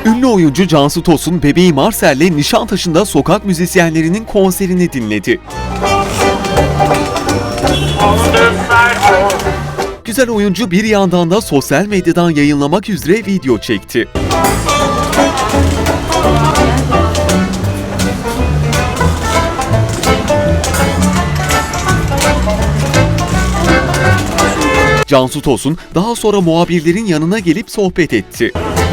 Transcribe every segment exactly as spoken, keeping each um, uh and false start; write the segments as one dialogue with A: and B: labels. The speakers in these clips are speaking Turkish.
A: Ünlü oyuncu Cansu Tosun, bebeği Marcel'le Nişantaşı'nda sokak müzisyenlerinin konserini dinledi. Güzel oyuncu bir yandan da sosyal medyadan yayınlamak üzere video çekti. Cansu Tosun daha sonra muhabirlerin yanına gelip sohbet etti.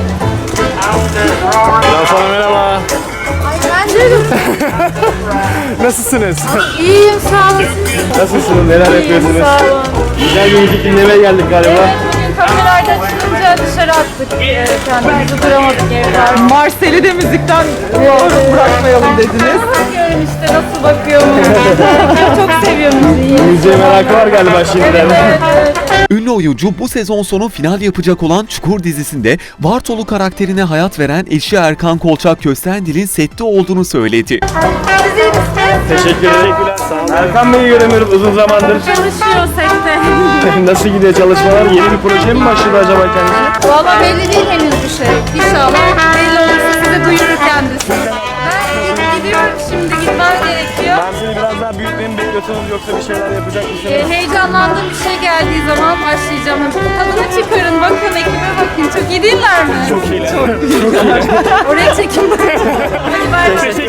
B: Cansu Hanım merhaba.
C: Ay ben de
B: Nasılsınız?
C: iyiyim, sağ olun.
B: Nasılsınız? Neler yapıyorsunuz?
C: Sağ olun.
B: Güzel bir müzik dinlemeye geldik galiba.
C: Evet, bugün kameralardan çıkınca dışarı attık. Ee, Kendimizi duramadık evler.
D: Marsel'i de müzikten bırakmayalım dediniz.
C: Bakıyorum işte nasıl bakıyor mu? Çok seviyorum müziği.
B: Müziğe merakı var galiba şimdiden.
C: Evet, evet.
A: Ünlü oyuncu bu sezon sonu final yapacak olan Çukur dizisinde Bartolu karakterine hayat veren eşi Erkan Kolçak Köstendil'in sette olduğunu söyledi.
C: Siz iyi misiniz?
B: Teşekkür ederim. Sağ olun. Erkan Bey'i göremiyoruz uzun zamandır.
C: Çalışıyor sette.
B: Nasıl gidiyor çalışmalar? Yeni bir proje mi başladı acaba kendisi?
C: Valla belli değil henüz bir şey. İnşallah belli olursa size duyurur kendisi. Ben gidiyorum şimdi, gitmem gerekiyor.
B: Ben seni biraz daha büyütmeyi mi bekliyorsunuz yoksa bir şeyler yapacak mısınız?
C: Ee, heyecanlandığım bir şey geldiği zaman başlayacağım. Tadını çıkarın, bakın, ekibe bakın. Çok iyi değiller mi?
B: Çok iyiler. Çok, çok iyiler.
C: Oraya çekin bakın. Hadi bay bay.